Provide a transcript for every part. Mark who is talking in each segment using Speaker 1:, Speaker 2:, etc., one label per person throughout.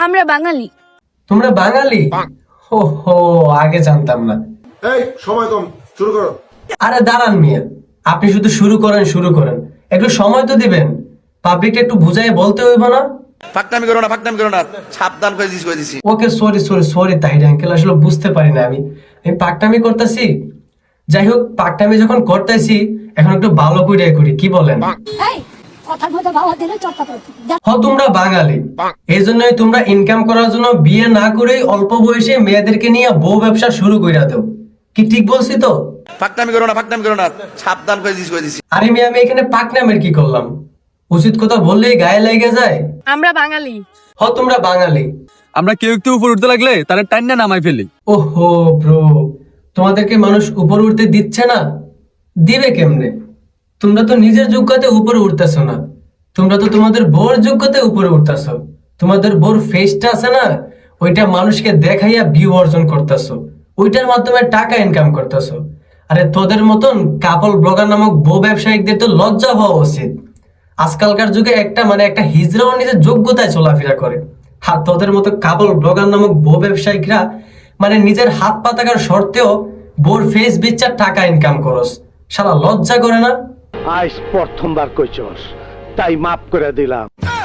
Speaker 1: আমরা বাঙালি।
Speaker 2: তোমরা বাঙালি? হো হো, আগে জানতাম না।
Speaker 3: এই সময় কম, শুরু করো।
Speaker 2: আরে দাঁড়ান মিয়া, আপনি শুধু শুরু করেন, একটু সময় তো দিবেন। পাবলিকটা একটু বুঝাই বলতে হইব না?
Speaker 4: ফাকনামি করো না, সাবধান করে দিছি।
Speaker 2: ওকে, সরি তাহির আঙ্কেল, আসলে বুঝতে পারি না আমি পাকটামি করতেছি। যাই হোক, পাকটামি যখন করতেছি এখন একটু ভালো করে করি, কি বলেন? তোমরা বাঙালি, এই জন্যই তোমরা ইনকাম করার জন্য বিয়ে না করে অল্প বয়সে মেয়েদেরকে নিয়ে বউ ব্যবসা শুরু করে দাও। কি ঠিক বলছি তো?
Speaker 4: ফাকনামি করো না, সাবধান করে দিছি।
Speaker 2: আরে মেয়ে, আমি এখানে পাকনামের কি করলাম? উচিত কথা বললেই গায়ে লেগে যায়।
Speaker 1: আমরা বাঙালি।
Speaker 2: তোমরা বাঙালি।
Speaker 5: আমরা কেউ একটু উপর উঠতে লাগলে তারা টাইনা নামাই ফেলি।
Speaker 2: ওহো ব্রো, তোমাদেরকে মানুষ উপর উঠতে দিচ্ছে না? দিবে কেমনে? তোমরা তো নিজের যোগ্যতাতে উপরে উঠতেছো না, তোমরা তো তোমাদের বোর যোগ্যতায় উপরে উঠতেছো। তোমাদের বোর ফেসটা আছে না, ওইটা মানুষকে দেখাইয়া ভিউ অর্জন করতেছো, ওইটার মাধ্যমে টাকা ইনকাম করতেছো। আরে তোদের মতন কাপল ব্লগার নামক বউ ব্যবসায়িকদের তো লজ্জা হওয়া উচিত। আজকালকার যুগে একটা হিজড়াও নিজের যোগ্যতায় চলাফেরা করে। তোদের মতো কাপল ব্লগার নামক বউ ব্যবসায়িকরা নিজের হাত পা থাকার সত্ত্বেও বোর ফেস বেচার টাকা ইনকাম করস। সারা লজ্জা করে না?
Speaker 6: আজ প্রথমবার কইছস, তাই মাফ করে দিলাম।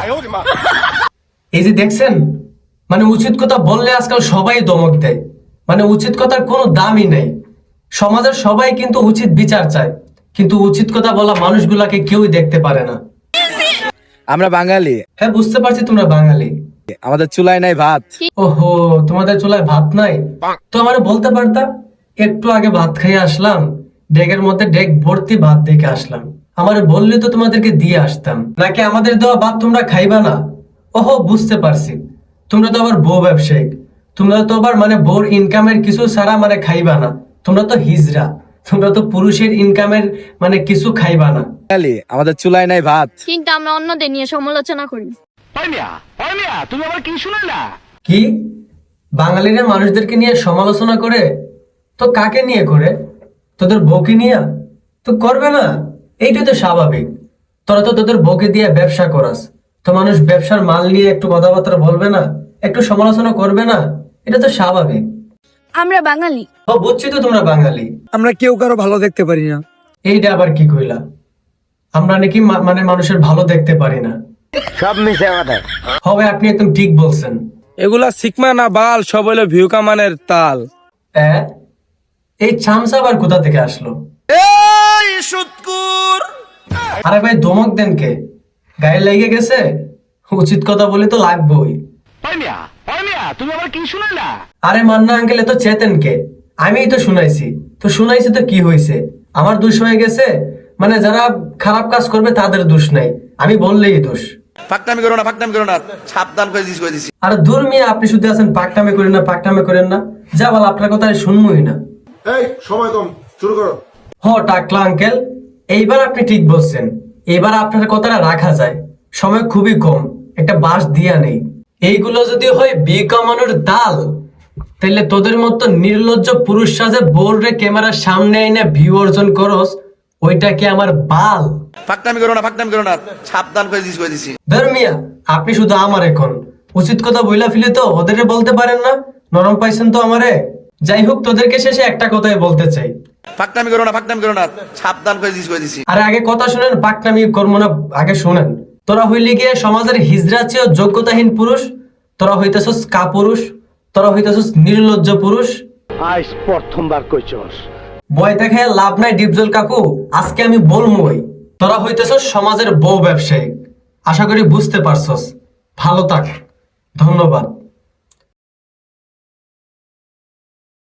Speaker 2: এই যে দেখছেন, উচিত কথা বললে আজকাল সবাই দমক দেয়। উচিত কথার কোনো দামই নেই। সমাজের সবাই কিন্তু উচিত বিচার চায়, কিন্তু উচিত কথা বলা মানুষগুলাকে কেউই দেখতে পারে না।
Speaker 5: আমরা বাঙালি।
Speaker 2: হ্যাঁ, বুঝতে পারছি তোমরা বাঙালি।
Speaker 5: আমাদের চুলায় নাই ভাত।
Speaker 2: ওহো, তোমাদের চুলায় ভাত নাই? তো আমারে বলতে পারতা। একটু আগে ভাত খেয়ে আসলাম, ডেগের মধ্যে ডেগ ভর্তি ভাত দেখে আসলাম। আমারে বললে তো তোমাদেরকে দিয়ে আসতাম। নাকি আমাদের দেওয়া ভাত তোমরা খাইবা না? ওহো, বুঝতে পারছি। তোমরা তো আবার বউ ব্যবসায়িক, তোমরা তো আবার বউর ইনকামের কিছু ছাড়া খাইবা না। তোমরা তো হিজড়া, তোমরা তো পুরুষের ইনকামের কিছু খাইবা না।
Speaker 5: আমাদের চুলায় নাই ভাত,
Speaker 1: কিন্তু আমরা অন্যদের নিয়ে সমালোচনা করি।
Speaker 6: তুমি আবার কি শুনাইলা?
Speaker 2: কি বাঙালিরা মানুষদেরকে নিয়ে সমালোচনা করে? তো কাকে নিয়ে করে? তোদের বউকে নিয়ে তো করবে না? এইটা তো স্বাভাবিক। তোরা তো তোদের বউকে দিয়ে ব্যবসা করাস, তো মানুষ ব্যবসার মাল নিয়ে একটু কথাবার্তা বলবে না, একটু সমালোচনা করবে না? এটা তো স্বাভাবিক।
Speaker 1: আমরা বাঙালি।
Speaker 2: বুঝছি তো তোমরা বাঙালি।
Speaker 5: আমরা কেউ কারো ভালো দেখতে পারি না।
Speaker 2: এইটা আবার কি কইলা? আমরা নাকি মানুষের ভালো দেখতে পারি না?
Speaker 6: সব মিশে কথা।
Speaker 2: হবে, আপনি একদম ঠিক বলছেন।
Speaker 5: এগুলা শিকমা না বাল, সব হলো ভিউ কামানের তাল।
Speaker 2: এই চামচা আবার কোথা থেকে আসলো?
Speaker 4: এই সুৎকুর,
Speaker 2: আরে ভাই, ধমক দেন কে? গায়ে লেগে গেছে? উচিত কথা বলে তো লাগবেই।
Speaker 6: তুমি আবার কি শুনাইলা?
Speaker 2: আরে মান্না আঙ্কেল, তো চেতেন কে? আমিই তো শুনাইছি তো কি হয়েছে? আমার দোষ হয়ে গেছে? যারা খারাপ কাজ করবে তাদের দোষ নাই, আমি বললেই দোষ।
Speaker 4: ফাকনামি করো না, সাবধান করে দিছি।
Speaker 2: আরে দূর মিয়া, আপনি শুধু আছেন পাকটামে করেন না। যা বল, আপনার কথা শুনবই না।
Speaker 3: এই সময় কম, শুরু করো।
Speaker 2: টাকলা আঙ্কেল, এইবার আপনি ঠিক বলছেন। এবার আপনার কথাটা রাখা যায়। সময় খুবই কম, একটা বাঁশ দিয়া নেই। এইগুলো যদি হয় বিয়ে কামানোর দাল, তাহলে তোদের মতো নির্লজ্জ পুরুষ সাজে বোর্ডে ক্যামেরার সামনে এনে ভিউ অর্জন করস, ওইটা কি আমার বাল?
Speaker 4: ফাকনামি করো না, সাবধান করে দিছি।
Speaker 2: ধর্মিয়া, আপনি শুধু আমার এখন উচিত কথা বইলা ফেলে তো ওদের বলতে পারেন না? নরম পাইছেন তো আমারে। যাই হোক, তোদেরকে শেষে একটা কথাই বলতে চাই।
Speaker 4: ফাকনামি করো না, সাবধান করে দিছি।
Speaker 2: আরে আগে কথা শুনেন, পাকনামি করবো না, আগে শুনেন। তোরা হইলে গিয়ে সমাজের হিজড়া চেয়েও যোগ্যতাহীন পুরুষ। তোরা হইতেছস কাপুরুষ, তোরা হইতেছস নির্লজ্জ পুরুষ।
Speaker 6: আজ প্রথমবার কইছস।
Speaker 2: বয় দেখায় লাভ নাই ডিপজল কাকু, আজকে আমি বলমই। তোরা হইতেছস সমাজের বউ ব্যবসায়িক। আশা করি বুঝতে পারছস। ভালো থাক, ধন্যবাদ।